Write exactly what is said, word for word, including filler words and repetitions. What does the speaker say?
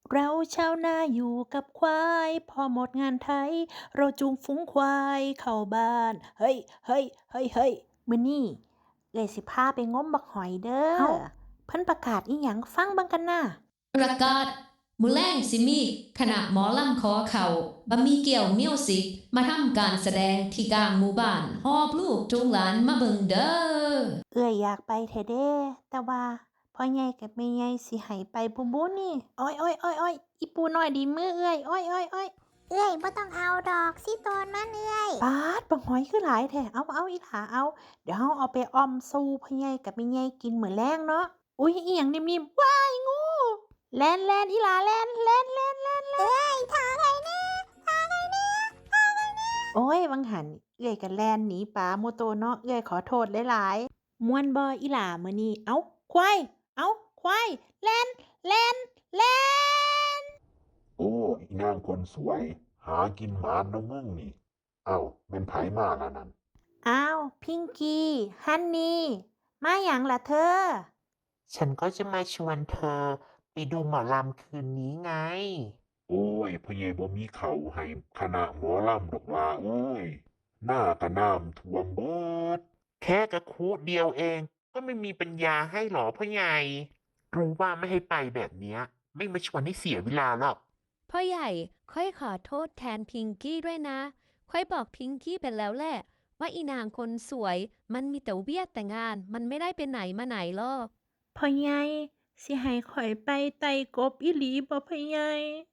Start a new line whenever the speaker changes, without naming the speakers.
เราชาวนาอยู่กับควายพอหมดงานไถเราจูงฝูงควายเข้าบ้านเฮ้ยเฮ้ยเฮ้ยเฮ้ยมื้อนี้เอ้อยสิพาไปงมบักหอยเด้อเอ้าเพิ่นประกาศอิหยังฟังเบิ่งกันน่ะ
ประกาศมื้อแลงสิมีคณะหมอลำขอเขาบะหมี่เกี่ยวมิวสิกมาทำการแสดงที่กลางหมู่บ้านหอบลูกจูงหลานมาเบิ่งเด้อ
เอ้อยอยากไปแท้เด้แต่ว่าพ่อใหญ่กับแม่ใหญ่สิให้ไปบ่บุนี่โอ๊ยๆๆๆอีปูน้อยดีมือเอ้อยโอ๊ยๆๆ
เอ้ยบ่ต้องเอาดอกสิโตนมันเอ้ย
ป๊าดบักหอยคือหลายแท้เอาเอาอีหลาเอาเดี๋ยวเราเอาไปออมสู่พ่อใหญ่กับแม่ใหญ่กินมื้อแลงเนาะอุ๊ยอิหยังนิ่มๆว้ายงูแล่นๆอีหลาแล่นๆๆๆ
เอ้ยทางไงแน่ทางไงแน่ทางไงแน่
โอ้ยวังหันเอื้อยก็แล่นหนีปลาโมโตเนาะเอื้อยขอโทษหลายๆม่วนบ่อีหล่ามื้อนี้เอ้าควายเอ้าควายแล่นแล่นแล่น
โอ้อีนางคนสวย หากินหมานเนาะมึงนี่ เอ้าแม่นไผมาล่ะนั่น
อ้าวพิงกี้ฮันนี่มาหยังล่ะเธอ
ฉันก็จะมาชวนเธอไปดูหมอลำคืนนี้ไง
โอ้ยพ่อใหญ่บ่มีเขาวให้คณะหมอลำดอกว่าเอ้ยหน้าก็น้ำท่วมเบิด
แค่กระคุเดียวเอง ก็ไม่มีปัญญาให้หรอพ่อใหญ่ รู้ว่าไม่ให้ไปแบบเนี้ย ไม่มาชวนให้เสียเวลาหรอก
พ่อใหญ่ค่อยขอโทษแทนพิงกี้ด้วยนะค่อยบอกพิงกี้ไปแล้วแหละว่าอีนางคนสวยมันมีแต่เวียดแต่งานมันไม่ได้ไปไหนมาไหนหรอก
พ่อใหญ่สิให้ข้อยไปไต่กบอีหลีบ่พ่อใหญ่